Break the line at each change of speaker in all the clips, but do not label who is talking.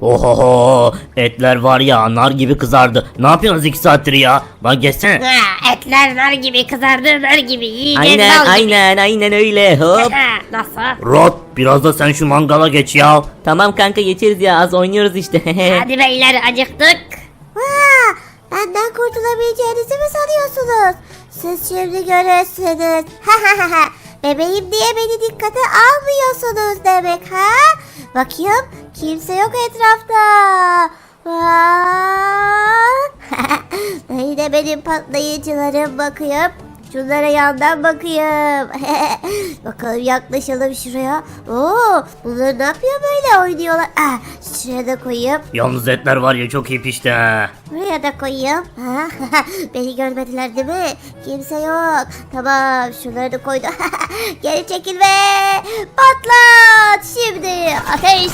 Ohoho, etler var ya nar gibi kızardı. Ne yapıyorsunuz 2 saattir ya? Lan geçsene.
Ha, etler nar gibi kızardı, nar gibi yiyeceğiz.
Aynen
bal gibi.
aynen öyle hop.
Nasıl?
Rod biraz da sen şu mangala geç ya.
Tamam kanka geçeriz ya az oynuyoruz işte.
Hadi beyler acıktık.
Benden kurtulabileceğinizi mi sanıyorsunuz? Siz şimdi görürsünüz. Bebeğim diye beni dikkate almıyorsunuz demek ha? Bakayım kimse yok etrafta. Yine benim patlayıcılarım bakayım. Şunlara yandan bakayım. Bakalım yaklaşalım şuraya. Oo, bunlar ne yapıyor böyle oynuyorlar. Şuraya da koyayım.
Yalnız etler var ya çok iyi pişti ha.
Buraya da koyayım. Beni görmediler değil mi? Kimse yok. Tamam şunları da koydum. Geri çekil ve patlat. Şimdi ateş.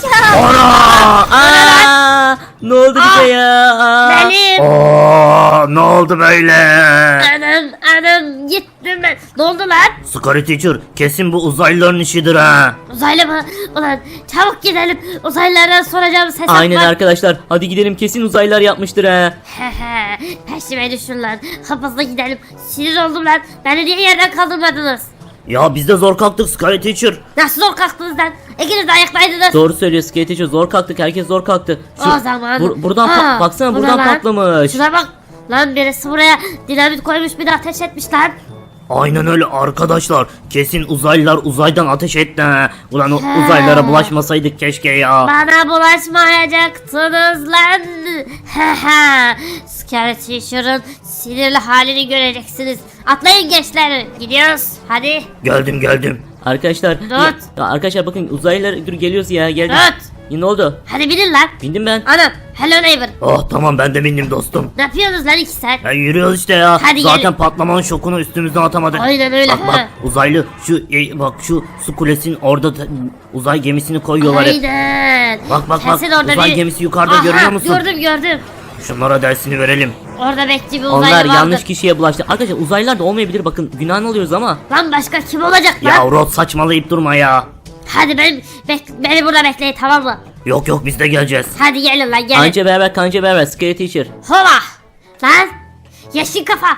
Aa, ne oldu bize ya?
Benim.
Ne oldu böyle?
Anam gittim ben. Ne oldu lan?
Scary Teacher kesin bu uzaylıların işidir ha.
Uzaylı mı? Ulan çabuk gidelim. Uzaylılardan soracağım ses
Aynen
var.
arkadaşlar hadi gidelim kesin uzaylılar yapmıştır ha.
Peşime düşün lan. Hızlı gidelim. Sinir oldum lan. Beni niye yerden kaldırmadınız?
Ya biz de zor kalktık Scary Teacher.
Nasıl zor kalktınız lan? İkiniz de ayaktaydınız.
Doğru söylüyor Skate zor kalktık herkes zor kalktı.
O zaman.
Buradan baksana
bu ne
buradan
lan?
patlamış.
Şuna bak. Lan birisi buraya dinamit koymuş bir de ateş etmiş lan.
Aynen öyle arkadaşlar. Kesin uzaylılar uzaydan ateş etti ha. Ulan o uzaylılara bulaşmasaydık keşke ya.
Bana bulaşmayacaktınız lan. Scary Teacher'ın sinirli halini göreceksiniz. Atlayın gençler. Gidiyoruz. Hadi.
Geldim.
Arkadaşlar
Tut.
arkadaşlar bakın uzaylılar dur geliyoruz ya geldik.
Tut.
Ya, ne oldu?
Hadi binin lan.
Bindim ben.
Anam. Hello neighbor.
Oh tamam ben de bindim dostum.
Ne yapıyorsunuz lan 2 saat?
Ya yürüyoruz işte ya.
Hadi
Zaten
gelin.
patlamanın şokunu üstümüzden atamadık.
Aynen öyle,
Bak
ha.
uzaylı bak şu su kulesinin orada uzay gemisini koyuyorlar hep.
Aynen.
Bak
Kesin orada
uzay
bir-
gemisi yukarıda
Aha,
görüyor musun?
Gördüm.
Şunlara dersini verelim.
Orada bekçi bir uzaylı
Onlar
vardı.
yanlış kişiye bulaştı. Arkadaşlar uzaylılar da olmayabilir bakın günahını alıyoruz ama.
Lan başka kim olacak lan?
Ya Rod saçmalayıp durma ya.
Hadi beni burada bekleyin tamam mı?
Yok biz de geleceğiz.
Hadi gelin lan gelin.
Anca beraber kanca beraber Skate Teacher.
Hola. Lan. Yeşil kafa.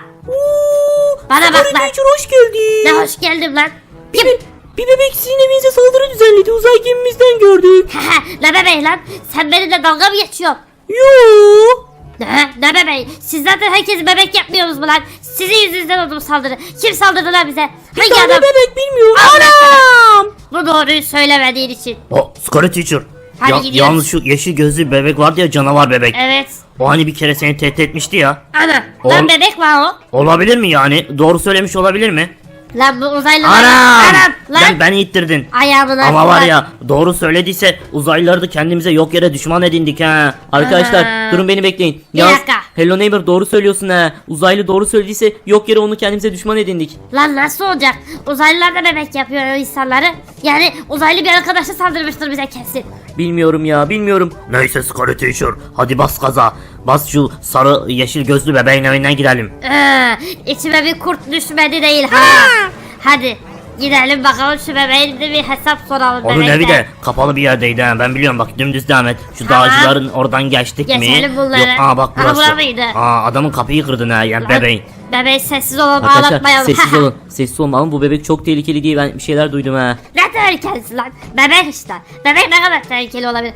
Bana bak lan.
hoş geldin.
Ne hoş geldin lan. Kim?
Bir bebek sizin evinize saldırı düzenledi. Uzay gemimizden gördük.
Ne bebeği lan? Sen benimle dalga mı geçiyorsun?
Yoo.
Ne bebeği? Siz zaten herkesi bebek yapmıyorsunuz mu lan? Sizin yüzünüzden oldu bu saldırı. Kim saldırdı lan bize? Hangi
tane
adam?
bebek bilmiyorum.
Anam! Bu doğruyu söylemediğin için.
Scary Teacher.
Hadi gidiyoruz.
Yalnız şu yeşil gözlü bebek vardı ya canavar bebek.
Evet.
O hani bir kere seni tehdit etmişti ya.
Ana.
Oğlum-
Lan bebek var o.
Olabilir mi yani? Doğru söylemiş olabilir mi?
Lan bu uzaylı.
Anam!
Lan.
Beni ittirdin.
Ayağımın
Ama
altı
var ya doğru söylediyse uzaylıları da kendimize yok yere düşman edindik ha.
Arkadaşlar
Aa.
durun beni bekleyin.
Bir
Yalnız
dakika.
Hello Neighbor doğru söylüyorsun ha. Uzaylı doğru söylediyse yok yere onu kendimize düşman edindik.
Lan nasıl olacak? Uzaylılar da bebek yapıyor insanları. Yani uzaylı bir arkadaşa saldırmıştır bize kesin.
Bilmiyorum ya bilmiyorum.
Neyse Scary Teacher. Hadi bas gaza. Bas şu sarı yeşil gözlü bebeğin evinden gidelim.
İçime bir kurt düşmedi değil ha. Hadi gidelim bakalım şu bebeğin de bir hesap soralım.
Onun
bebekten.
evi de kapalı bir yerdeydi ha. Ben biliyorum bak dümdüz devam et. Şu
Tamam.
dağcıların oradan geçtik mi?
Geçelim bunları.
Yok bak
Aha,
burası.
bura mıydı?
Adamın kapıyı kırdın ha yani
Lan,
bebeğin.
Bebeği sessiz olalım
Arkadaşlar
ağlatmayalım.
sessiz olun. Sessiz olun ama bu bebek çok tehlikeli diye ben bir şeyler duydum ha.
Ne tehlikelisi lan? Bebek işte. Bebek ne kadar tehlikeli olabilir?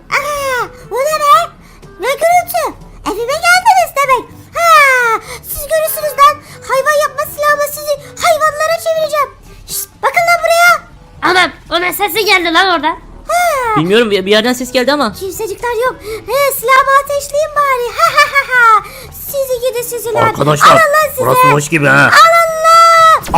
Bu ne be? Ne gürültü? Evime geldiniz demek. Siz görürsünüz lan. Hayvan yapma silahımla sizi hayvanlara çevireceğim. Şşt, bakın lan buraya.
Anam o ne sesi geldi lan orada?
Bilmiyorum bir yerden ses geldi ama.
Kimsecikler yok. Silahımı ateşleyin bari. Sizi gidi sizi lan.
Arkadaşlar
Alın lan size.
burası hoş gibi ha.
Alın lan.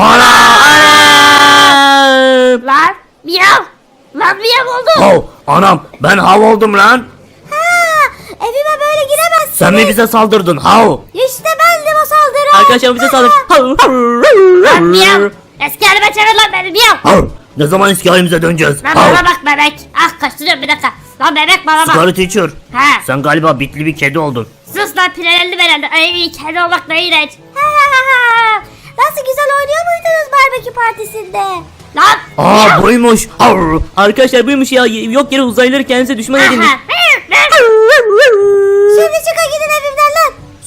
Lan miyav. Lan miyav oldu.
Hav anam ben hav oldum lan.
Evime böyle giremezsiniz.
Sen mi bize saldırdın hav?
İşte bendim o saldırı.
Arkadaşlar bize saldırdı.
Lan miyav. Eski halime çevir lan beni miyav.
Hav. Ne zaman eski halimize döneceğiz?
Lan
Hav.
bana bak bebek. Ah kaçtırıyorum bir dakika. Lan bebek bana bak.
Scary Teacher.
Ha.
Sen galiba bitli bir kedi oldun.
Sus lan pirelelli belelli. Ay kedi olmak ne iğrenç.
Nasıl güzel oynuyor muydunuz barbekü partisinde?
Lan.
Buymuş. Hav.
Arkadaşlar buymuş ya yok yere uzaylıları kendimize düşman edindik.
Aha.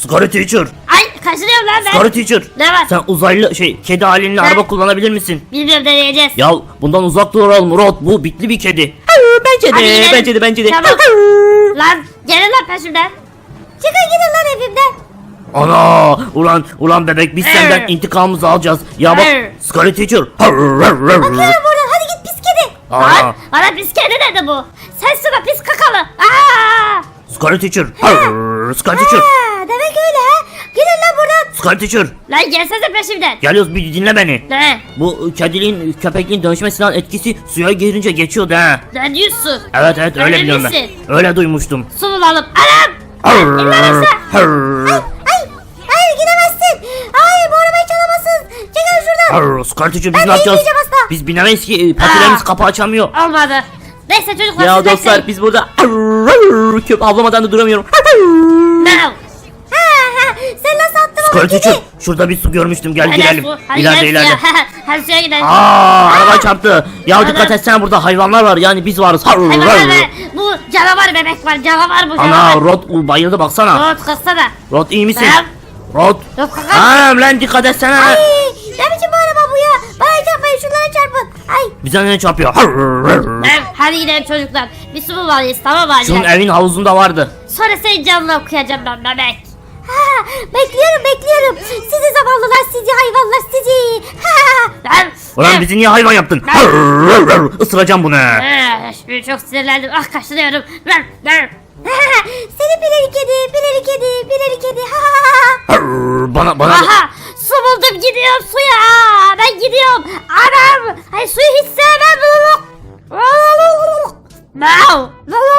Scary Teacher.
Ay kaçırıyorum lan ben.
Scary Teacher.
Ne var?
Sen uzaylı kedi halinde araba kullanabilir misin?
Bilmiyorum deneyeceğiz.
Ya bundan uzak duralım Rod, bu bitli bir kedi.
Bence
Hadi gidelim.
de, bence de, bence de.
Çabuk. Lan gelin lan peşimden.
Çıkın gidin lan evimden.
Ana ulan bebek biz senden
Arr.
intikamımızı alacağız. Ya bak
Arr.
Scary Teacher.
Bakıyorum buradan hadi git pis kedi.
Aa,
Lan bana pis kedi dedi bu. Sensin o pis kakalı. Aa!
Scary Teacher. Scary Teacher.
Ha, demek öyle ha. Gidin lan buradan.
Scary Teacher.
Lan gelsene peşimden.
Geliyoruz, bir dinle beni.
Ne?
Bu kediliğin köpekliğin dönüşmesinden etkisi suya girince geçiyordu ha.
Ne diyorsun?
Evet öyle
Öyle
biliyorum ben.
misin?
Öyle duymuştum.
Su bulalım. Anam!
Hayır gidemezsin. Hayır bu arabayı çalamazsın. Çekil şuradan.
Scary Teacher, biz
Ben
ne yapacağız?
inmeyeceğim asla.
Biz binemeyiz ki, patilerimiz
Aa.
kapı açamıyor.
Olmadı. Neyse çocuklar
Ya
siz
dostlar
bekleyin.
biz burada köp avlamadan da duramıyorum.
Now.
Sen nasıl attın o
Scary
kedi?
Teacher, şurada bir su görmüştüm, gel
Hadi
girelim.
su. Hadi
İleride
gel
ileride.
suya. Hadi suya gidelim.
Araba çarptı. Ya
Ana.
dikkat etsene, burada hayvanlar var, yani biz varız.
Hayvan, bu canavar bebek var. Canavar bu
Ana
canavar.
Rod bayıldı baksana.
Rot kıssana.
Rod iyi misin?
Tamam.
Rod.
Rot kıssana.
Anam lan dikkat etsene.
Ay, ne biçim bu araba bu ya? Bana çarpmayın şunlara çarpın. Ay.
Bize ne çarpıyor?
Tamam, hadi gidelim çocuklar. Bir su bulmalıyız tamam mı
Şunun
acele?
evin havuzunda vardı.
Sonra senin canını okuyacağım ben bebek.
Ha, bekliyorum. Sizi zavallılar sizi hayvanlar sizi. Ha.
Ben...
Ulan bizi niye hayvan yaptın? Isıracağım bunu.
Şimdi çok sinirlendim. Ah kaşınıyorum.
Seni pileri kedi. Ha.
Bana
Aha su buldum gidiyorum suya. Ben gidiyorum. Anam. Ay suyu hiç sevmem. No.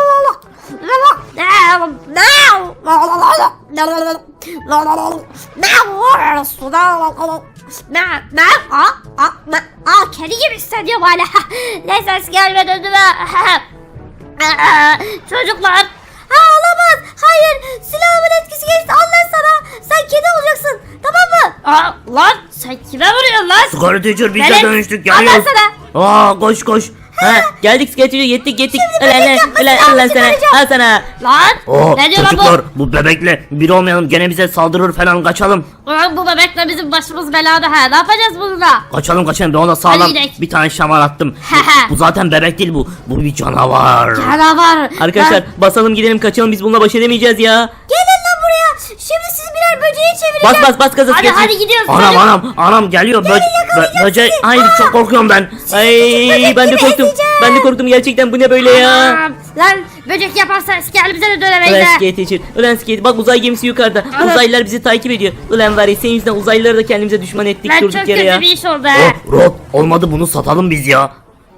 Kedi gibi hissediyorum hala. Ne ses gelmedi önüme. Çocuklar.
Ha olamaz. Hayır. Silahımın etkisi geçti. Al lan sana. Sen kedi olacaksın. Tamam mı?
Lan sen kime vuruyorsun lan?
Scary Teacher, biz de
Velet,
dönüştük,
al lan
geliyoruz.
sana.
Koş koş.
Ha, geldik sketçi yettik.
bebek yapma, silahımı çıkaracağım.
Al sana.
Lan ne diyor lan
Çocuklar, bu bebekle bir olmayalım, gene bize saldırır falan, kaçalım.
bu? Ulan bu bebekle bizim başımız belada ha. Ne yapacağız bununla?
Kaçalım ben ona sağlam
Hadi gidelim.
bir tane şamar attım. Bu zaten bebek değil, bu bir canavar.
Canavar.
Arkadaşlar basalım gidelim kaçalım biz bununla baş edemeyeceğiz ya.
Gelin lan buraya. Şimdi siz birer böceği çevireceğim.
Bas gaza
Hadi
sketçi.
hadi gidiyoruz.
Anam geliyor.
yakalayacağım
Böcek.
sizi.
Hayır, çok korkuyorum ben.
Ay ben de korktum. Ben de korktum gerçekten bu ne böyle ya.
Anam, lan böcek yaparsa eski halimize de dönemeyiz
Ulan
ha.
skate teacher. Ulan skate bak uzay gemisi yukarıda.
Evet.
Uzaylılar bizi takip ediyor. Ulan var ya senin yüzünden uzaylıları da kendimize düşman ettik
Lan çok
durduk yere
kötü
ya.
bir iş oldu ha.
Rod, olmadı, bunu satalım biz ya.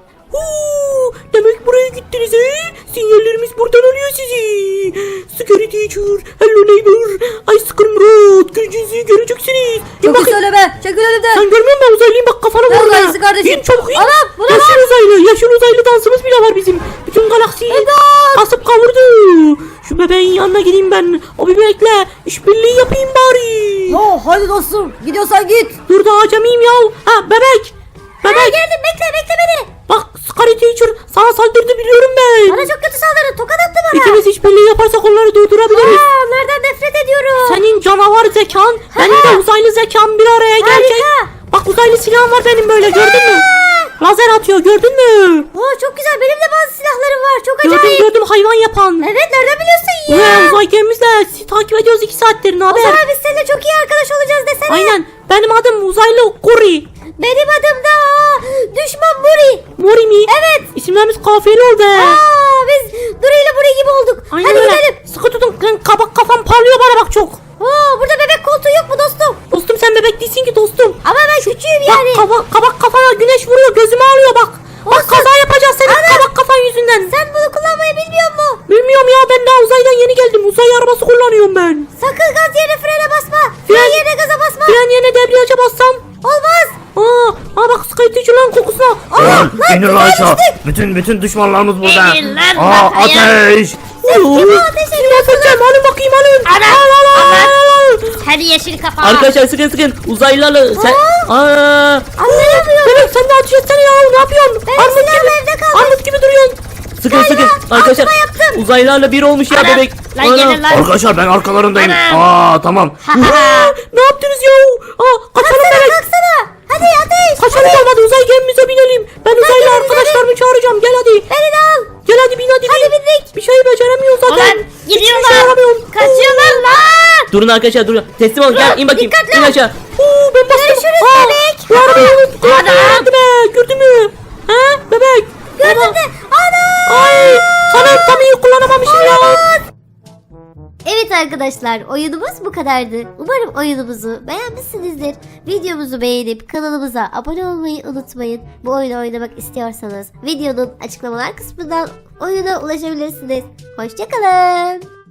Demek buraya gittiniz he? Sinyallerimiz buradan alıyor sizi. Scary teacher, hello neighbor. I scream road. Gücünüzü göreceksiniz.
Çok iyi söyleme. Çekil önümden.
Sen görmüyor musun uzaylıyım bak kafana
Ne
vurma.
uzaylısı kardeşim?
İn çabuk in.
Anam, bu ne
Yaşlı uzaylı. Yaşlı uzaylı dansımız bile var bizim. Bütün galaksiyi kasıp kavurdu. Şu bebeğin yanına gideyim ben. O bebekle işbirliği yapayım bari.
Yo hadi dostum. Gidiyorsan git.
Dur da acemiyim ya. Ha bebek. Bebek.
Geldim bekle beni.
Bak Scary teacher sana saldırdı biliyorum ben.
Bana çok kötü saldırı. Tokat attı bana.
İkimiz işbirliği yaparsak onları durdurabiliriz.
Onlardan nefret ediyorum.
Senin canavar zekan, benim de uzaylı zekam bir araya gelecek. Bak uzaylı silahım var benim böyle gördün mü? Lazer atıyor gördün mü?
Oo, çok güzel. Benim de bazı silahlarım var. Çok acayip.
Gördüm hayvan yapan.
Evet nereden biliyorsun ya?
Ulan uzay gemimizle sizi takip ediyoruz 2 saattir ne
O
haber?
zaman biz seninle çok iyi arkadaş olacağız desene.
Aynen benim adım uzaylı Kuri.
Benim adım da Düşman Muri.
Mori mi?
Evet.
İsimlerimiz kafiyeli oldu.
Biz Duri ile Muri gibi olduk.
Aynen
Hadi
öyle.
gidelim.
Sıkı tutun lan kabak kafam parlıyor bana bak çok.
Burada bebek koltuğu yok mu dostum?
Dostum sen bebek değilsin ki dostum.
Ama ben küçüğüm
Bak
yani.
kabak kafana güneş vuruyor gözümü alıyor bak. Bak kaza yapacağız senin kabak kafan yüzünden.
Sen bunu kullanmayı bilmiyor musun?
Bilmiyorum ya ben daha uzaydan yeni geldim. Uzay arabası kullanıyorum ben.
Sakın gaz yerine frene basma. Fren yerine gaza basma.
Fren yerine debriyaja bassam.
Olmaz.
Bak Skyteacher lan kokusuna.
Lan inir lan aşağı.
düştük.
Bütün düşmanlarımız burada.
İnin lan
Ateş.
Kime ateş ediyorsun?
Alın bakayım alın.
Hadi yeşil kafa.
Arkadaşlar sıkın uzaylılarla sen.
Anlayamıyorum.
Bebek sen de ateş etsene ya ne yapıyorsun?
Benim silahım evde kalmış.
Armut gibi duruyorsun. Sıkın sıkın. Arkadaşlar uzaylılarla bir olmuş ya
Ana,
bebek.
lan
Ana.
gelin lan.
Arkadaşlar ben arkalarındayım.
Ana.
Tamam.
Ne yaptınız ya? Kaçalım bebek.
Kalksana. Hadi ateş.
Kaçalım hadi uzay gemimize binelim. Ben uzaylı arkadaşlarımı çağıracağım. Gel hadi.
Beni de al.
Gel hadi bin hadi bin. Bir şey beceremiyoruz zaten.
Ulan
Hiçbir şey
gidiyorlar.
yaramıyorum.
Kaçıyorlar lan.
Durun arkadaşlar durun. Teslim olun gel in bakayım.
dikkatli
İn
ol.
aşağı. Ben bastım.
Görüşürüz bebek.
Bu arabayı unuttum.
Ana.
Gördün mü? Gördün mü? Ha bebek.
Gördün mü? Ana.
Ay sana tam iyi kullanamamışım ya.
Evet arkadaşlar, oyunumuz bu kadardı. Umarım oyunumuzu beğenmişsinizdir. Videomuzu beğenip kanalımıza abone olmayı unutmayın. Bu oyunu oynamak istiyorsanız videonun açıklamalar kısmından oyuna ulaşabilirsiniz. Hoşçakalın.